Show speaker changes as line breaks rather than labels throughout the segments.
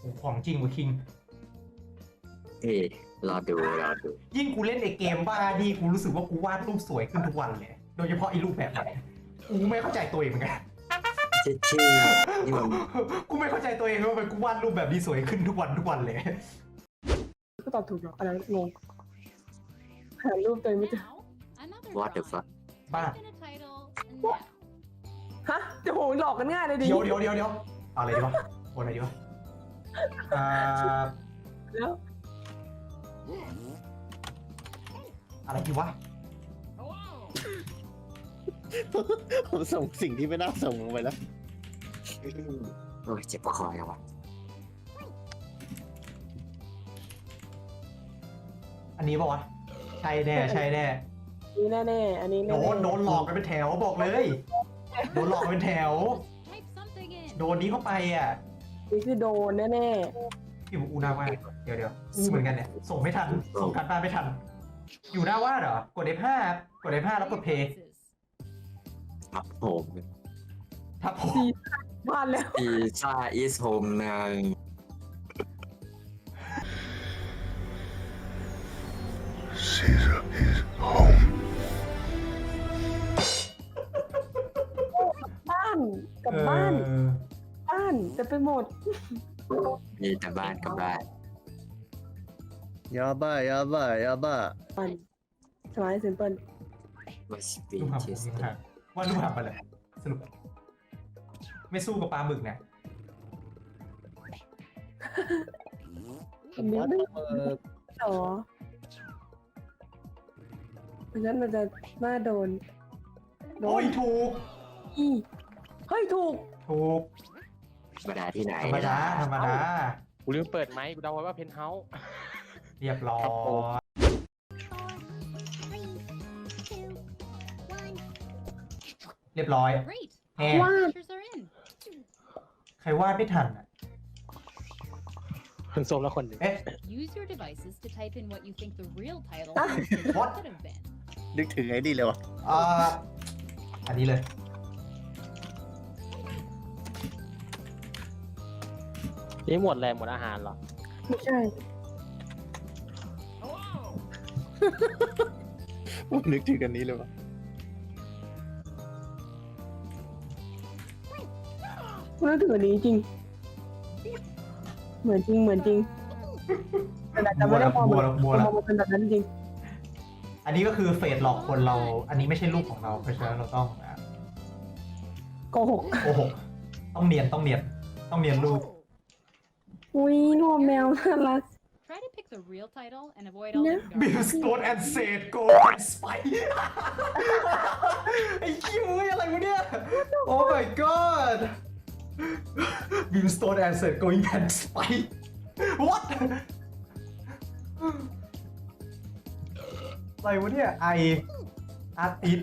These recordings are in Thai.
ของจริงว่ะคิง
รอดู
ยิ่งกูเล่นไอเกมบ้าดีกูรู้สึกว่ากูวาดรูปสวยขึ้นทุกวันเลยโดยเฉพาะไอรูปแบบไหนกูไม่เข้าใจตัวเองเหมือนกัน
ชื่อนี่มัน
กูไม่เข้าใจตัวเองว่าทำไมกูวาดรูปแบบนี้สวยขึ้นทุกวันเลย
ก็ตอบถูกหรอกอะไรงงหารูปตัวเองไม่เจอ
What the fuck
บ้า
ฮะจะโหหลอกกันง่ายเลยดิ
เดี๋ยวเอาอะไรดีวะโอนอะไรดีวะ
แล้ว
อะไรดีวะ
ผมส่งสิ่งที่ไม่น่าส่งลงไปแล้ว
โอ้ยเจ็บคอแล้ววะ
อันนี้ป่าวะใช่แน่
นี่แน่ๆอันนี้แน่ๆ
โดนหลอกกันเป็นแถวบอกเลยโดนหลอกกันเป็นแถวโดนนี้เข้าไปอ่ะ
นี่คือโดนแน่
พี่บอกอูหน้าว่าเดี๋ยวอูเหมือนกันเนี่ยส่งไม่ทันส่งการบ้านไม่ทันอยู่หน้าว่าเหรอกด F5 กด F5 แล้วกดเพย์
ครับผม
ทับผม
ๆบ้านแล้ว
พีซ่าอีสโฮมนาง
Caesar is home.
บ้านกับบ้านจะไปหมด
มีแต่บ้านกับบ้าน
ยาบ้ายาบ้ายาบ้า
บ้านสมัยซิมเปิล
มาสปี
ลูกหาบ
ชิส
ลูกหาบว่าลูกหาบไปเลยสรุปไม่สู้กับปลาหมึกนะ
อันนี้ไม่หรอเพราะฉะนั้นมันจะน่าโดน
โอ้ยถูก
อีเฮ้ยถูก
ถูก
ธรรมดาที่ไหน
ธรรมดาธรรมดา
กูลืมเปิดไหมกูเดาไว้ว่าเพนท์เฮาส์
เรียบร้อยเรียบร้อยแฮ
วาด
ใครวาดไม่ทันอ่ะ
คนโซมแล้วคนหนึ่ง
เอ๊ะ
Use your devices to type in what you think the real title
What?
could have been.
นึกถึงไอ้นี่เลยวะ
อันนี้เลย
นี่หมดแรงหมดอาหารเหรอ
ไม่ใช่
ผมนึกถึงอันนี้เลยวะ
คุณนึกถึงอันนี้จริง เหมือนจริงแต่อาจจะไม่ได้มองมันเป็นแบบนั้นจริง
อันนี้ก็คือเฟสหลอกคนเรา อันนี้ไม่ใช่รูปของเรา เพราะฉะนั้นเราต้อง
โกหก
โอ้โหต้องเนียนรูป
อุ้ยนวมแมวน่ารัก
Try to pick the real title and avoid all the
b i l l
garbage.
Stone and Said Go and Spy ไอ้คิวอะไรวะเนี่ย Oh my god Bill Stone and Said Going and Spy What อะไรวะเนี่ย I Artist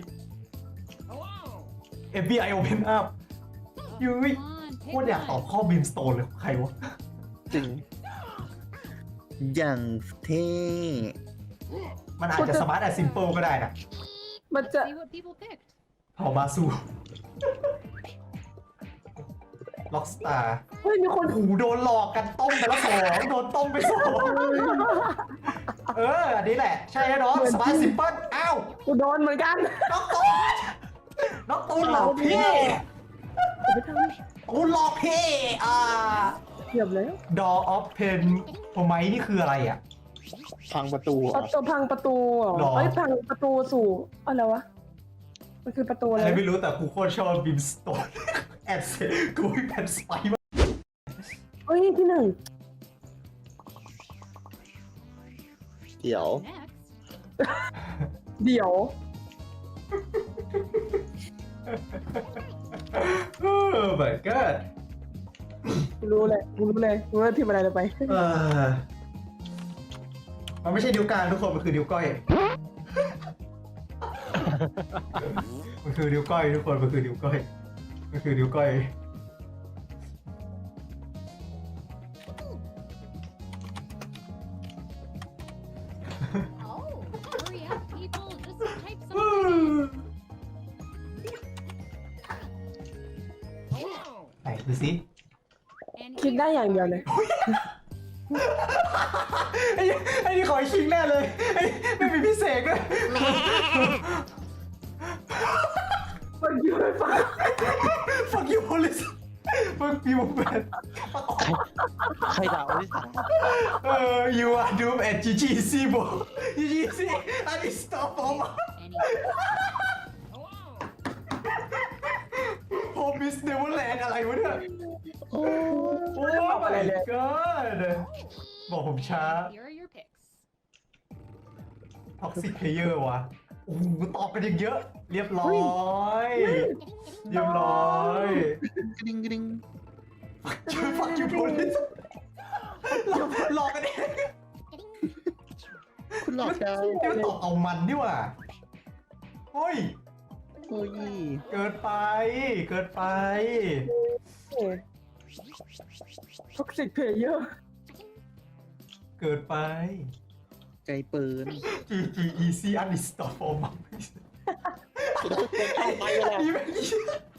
FBI Open Up ยุ้ย
Come on,
โค
pick
ตรอยากตอบ
one.
ข้อ Bill Stone เลยใครวะ
จริง อย่างเท่
มันอาจจะสมาร์ทแต่ซิมเปิลก็ได้นะ
มันจะ
See what people picked.
เผาบาซูล็อกสตาร์
เฮ้ยมีคน
โอ้โหโดนหลอกกันต้มไปแล้ว2โดนต้มไป2อันนี้แหละ ใช่แน่นอนสมาร์ทซิมเปิลอ้าว
กูโดนเหมือนกัน
น้องตูนหลอกพี่
ไปท
ตูนหลอกพี่
ำเกือบแล้ว
Door of Pen โฮไมนี่คืออะไรอ่ะ
พังประตูเหรอ
พังประตูเหรอ
หรอ
เอ้ยพังประตูสู่อะไรวะ มันคือประตูอะไร
อะไรไม่รู้แต่กูโคตรชอบบิมสโตนแอดเซกูแพนสไปมาก
เฮ้ยที่หนึ่ง
เดี๋ยว
Next,
เดี๋ยว
โอ้ my god
กูรู้เลยว่าพิมพ์อะไรลงไป
มันไม่ใช่นิ้วกลางทุกคนมันคือนิ้วก้อย มันคือนิ้วก้อยทุกคนมันคือนิ้วก้อย
oh, hurry up, people. Just type something.
ไหนดูสิ
And
คิดได้อย่างเดียวเลย
ไอ้นี่ขอคิงแน่เลยไม่มีพิเศษด้วย
มันอยู่ในฟ้า
fuck you police fuck you man
ใครด่าอลิส
you are doomed at GGC bro GGC unstoppable home is neverland อะไรวะเนี่ยโอ้ my god บอกผมช้า
Here are your picks.
toxic player วะโอ้โหตอบกันอย่างเยอะ เรียบร้อยเรียบร้อย
กริ๊งกริ๊ง
fuck you police หลอกกันเอง
คุณหลอกดาว
นี่มันตอบเอามันนี่หว่าเฮ้ย
โอ้ย
เกินไป เกินไป
ท็อกซิกเพลเยอร์
เกินไป
ไกลปืน
GG easy unstoppable
ไปเลย
นี่ไม่